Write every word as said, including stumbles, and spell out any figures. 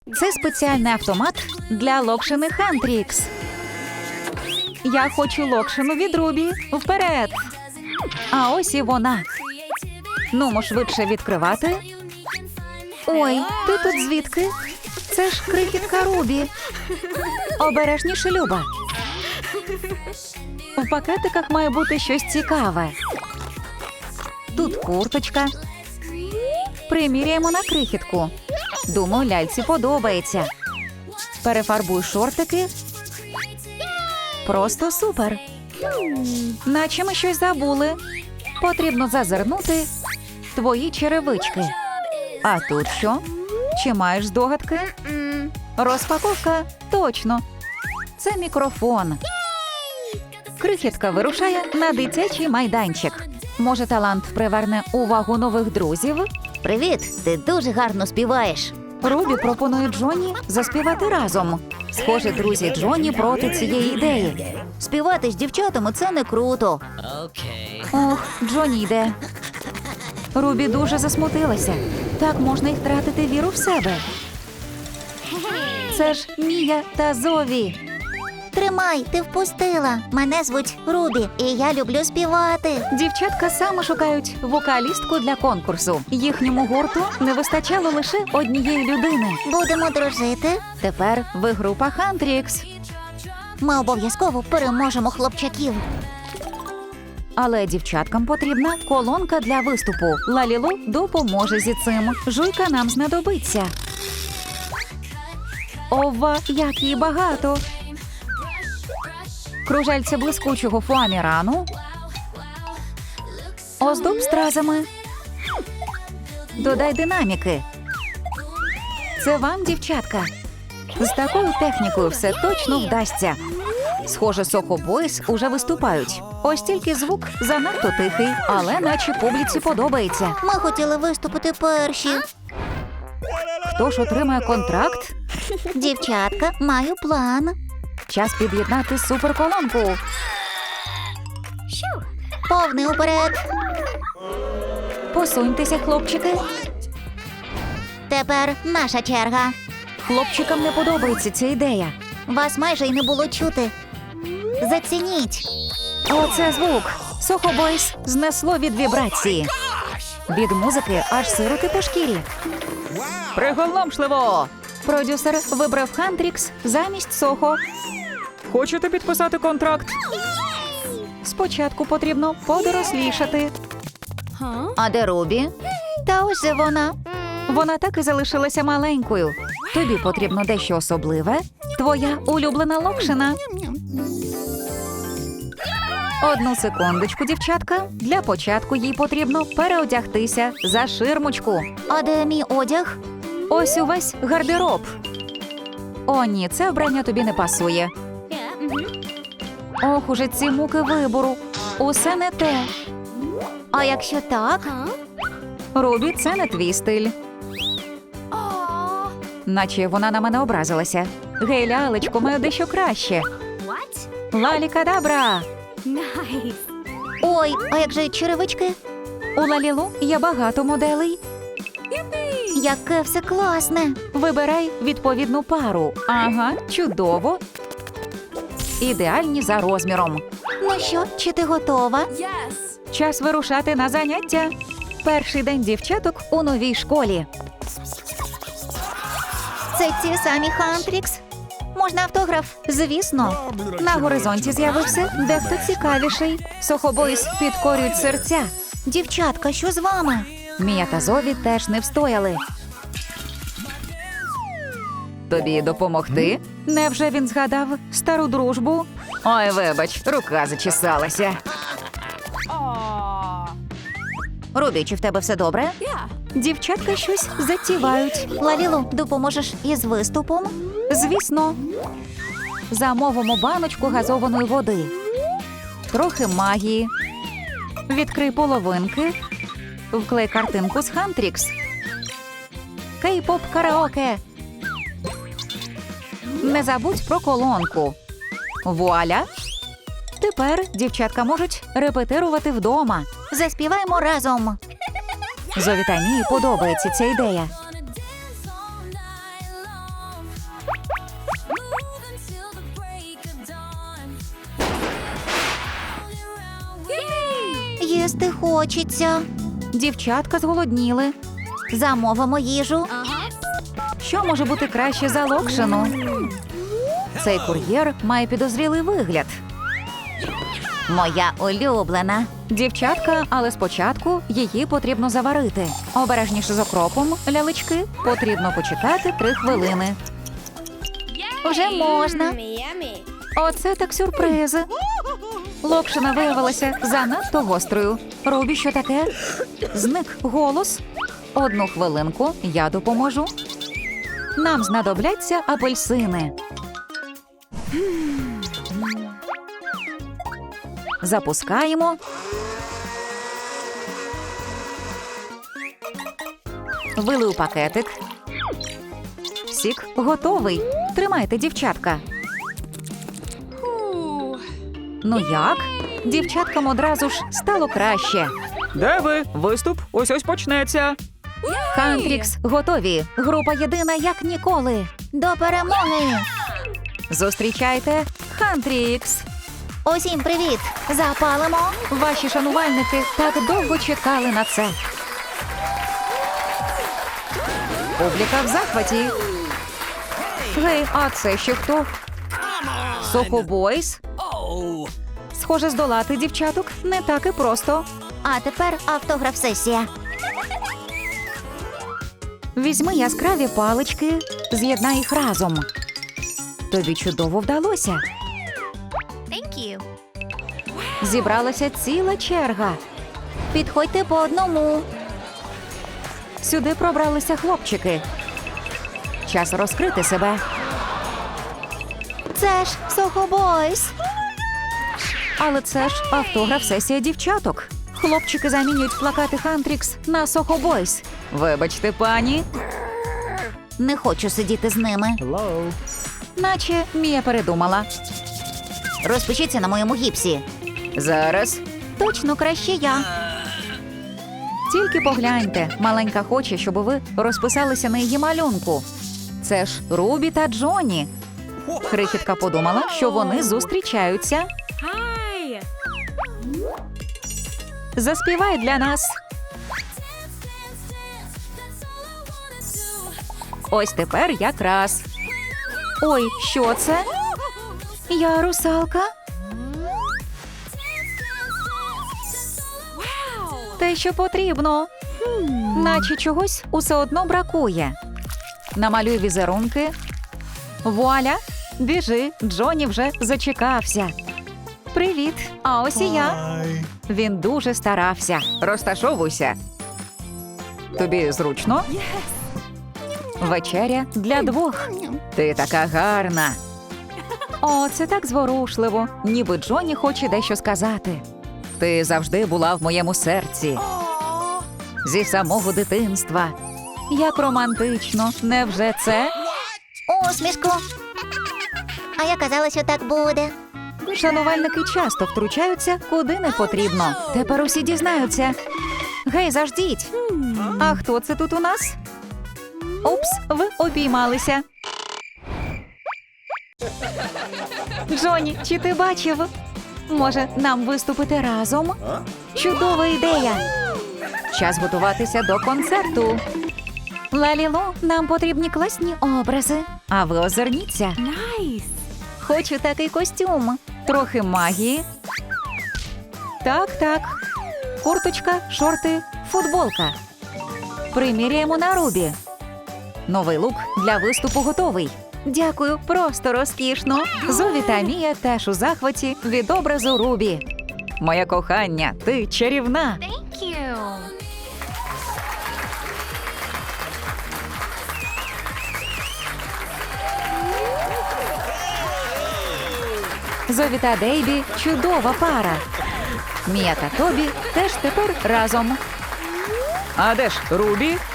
Це спеціальний автомат для локшини Хантрікс. Я хочу локшину від Рубі. Вперед! А ось і вона. Нумо швидше відкривати. Ой, ти тут звідки? Це ж крихітка Рубі. Обережніше, Люба. В пакетиках має бути щось цікаве. Тут курточка. Приміряємо на крихітку. Думаю, ляльці подобається. Перефарбуй шортики. Просто супер. Наче ми щось забули. Потрібно зазирнути твої черевички. А тут що? Чи маєш здогадки? Розпаковка? Точно. Це мікрофон. Крихітка вирушає на дитячий майданчик. Може, талант приверне увагу нових друзів? Привіт, ти дуже гарно співаєш. Рубі пропонує Джонні заспівати разом. Схоже, друзі Джонні проти цієї ідеї. Співати з дівчатами – це не круто. Ох, Джонні йде. Рубі дуже засмутилася. Так можна й втратити віру в себе. Це ж Мія та Зові. Тримай, ти впустила. Мене звуть Рубі, і я люблю співати. Дівчатка саме шукають вокалістку для конкурсу. Їхньому гурту не вистачало лише однієї людини. Будемо дружити. Тепер ви група Хантрікс. Ми обов'язково переможемо хлопчаків. Але дівчаткам потрібна колонка для виступу. Лалілу допоможе зі цим. Жуйка нам знадобиться. Ова, як її багато! Кружельце блискучого фуамірану. Оздоб стразами. Додай динаміки. Це вам, дівчатка. З такою технікою все точно вдасться. Схоже, Soho Boys уже виступають. Ось тільки звук занадто тихий, але наче публіці подобається. Ми хотіли виступити перші. Хто ж отримає контракт? Дівчатка, маю план. Час під'єднати суперколонку. Повний уперед. Посуньтеся, хлопчики. Тепер наша черга. Хлопчикам не подобається ця ідея. Вас майже й не було чути. Зацініть. Оце звук. Soho Boys знесло від вібрації. Від музики аж сироти по шкірі. Приголомшливо! Продюсер вибрав Хантрікс замість Сохо. Хочете підписати контракт? Спочатку потрібно подорослішати. А де Рубі? Та ось же вона. Вона так і залишилася маленькою. Тобі потрібно дещо особливе. Твоя улюблена локшина. Одну секундочку, дівчатка. Для початку їй потрібно переодягтися за ширмочку. А де мій одяг? Ось увесь гардероб. О, ні, це вбрання тобі не пасує. Ох, уже ці муки вибору. Усе не те. А якщо так? Рубі, це не твій стиль. Наче вона на мене образилася. Гей, лялечко, маю дещо краще. Лалі-кадабра! Ой, а як же черевички? У Лалілу є багато моделей. Яке все класне. Вибирай відповідну пару. Ага, чудово. Ідеальні за розміром. Ну що, чи ти готова? Час вирушати на заняття. Перший день дівчаток у новій школі. Це ті самі Хантрікс? Можна автограф? Звісно. На горизонті з'явився дехто цікавіший. Soho Boys підкорюють серця. Дівчатка, що з вами? Мія та Зові теж не встояли. Тобі допомогти? Невже він згадав стару дружбу? Ой, вибач, рука зачесалася. Рубі, чи в тебе все добре? Дівчатка щось затівають. Лалілу, допоможеш із виступом? Звісно. Замовимо баночку газованої води. Трохи магії. Відкрий половинки. Вклей картинку з Хантрікс. Кей-поп караоке. Не забудь про колонку. Вуаля! Тепер дівчатка можуть репетирувати вдома. Заспіваємо разом. Зові та Мії подобається ця ідея. Їсти хочеться. Дівчатка зголодніли. Замовимо їжу. Що може бути краще за локшину? Цей кур'єр має підозрілий вигляд. Моя улюблена. Дівчатка, але спочатку її потрібно заварити. Обережніше з окропом, лялечки, потрібно почекати три хвилини. Уже можна. Оце так сюрпризи. Локшина виявилася занадто гострою. Рубі, що таке? Зник голос. Одну хвилинку, я допоможу. Нам знадобляться апельсини. Запускаємо. Вили у пакетик. Сік готовий. Тримайте, дівчатка. Ну як? Дівчаткам одразу ж стало краще. Де ви? Виступ ось-ось почнеться. Хантрікс готові. Група єдина як ніколи. До перемоги. Зустрічайте Хантрікс. Усім привіт. Запалимо. Ваші шанувальники так довго чекали на це. Публіка в захваті. Гей, а це ще хто? Сохобойс? Схоже, здолати дівчаток не так і просто. А тепер автограф-сесія. Візьми яскраві палички, з'єднай їх разом. Тобі чудово вдалося. Зібралася ціла черга. Підходьте по одному. Сюди пробралися хлопчики. Час розкрити себе. Це ж Сохобойс. Але це ж автограф-сесія дівчаток. Хлопчики замінюють плакати Хантрікс на Сохобойс. Вибачте, пані. Не хочу сидіти з ними. Hello. Наче Мія передумала. Розпишіться на моєму гіпсі. Зараз. Точно краще я. Тільки погляньте, маленька хоче, щоб ви розписалися на її малюнку. Це ж Рубі та Джоні. Крихітка подумала, що вони зустрічаються. Заспівай для нас. Ось тепер якраз. Ой, що це? Я русалка? Те, що потрібно. Наче чогось усе одно бракує. Намалюй візерунки. Вуаля! Біжи, Джоні вже зачекався. Привіт, а ось і я. Hi. Він дуже старався. Розташовуйся. Тобі зручно? Вечеря для двох. Ти така гарна. О, це так зворушливо. Ніби Джоні хоче дещо сказати. Ти завжди була в моєму серці. Зі самого дитинства. Як романтично. Невже це? Усмішку. А я казала, що так буде. Шанувальники часто втручаються, куди не потрібно. Тепер усі дізнаються. Гей, заждіть. А хто це тут у нас? Упс, ви обіймалися. Джоні, чи ти бачив? Може, нам виступити разом? Чудова ідея. Час готуватися до концерту. Лалілу, нам потрібні класні образи. А ви озирніться. Хочу такий костюм. Трохи магії. Так, так. Курточка, шорти, футболка. Приміряємо на Рубі. Новий лук для виступу готовий. Дякую, просто розкішно. Зові та Мія теж у захваті від образу Рубі. Моє кохання, ти чарівна. Зові та Дейбі – чудова пара. Мія та Тобі теж тепер разом. А де ж Рубі?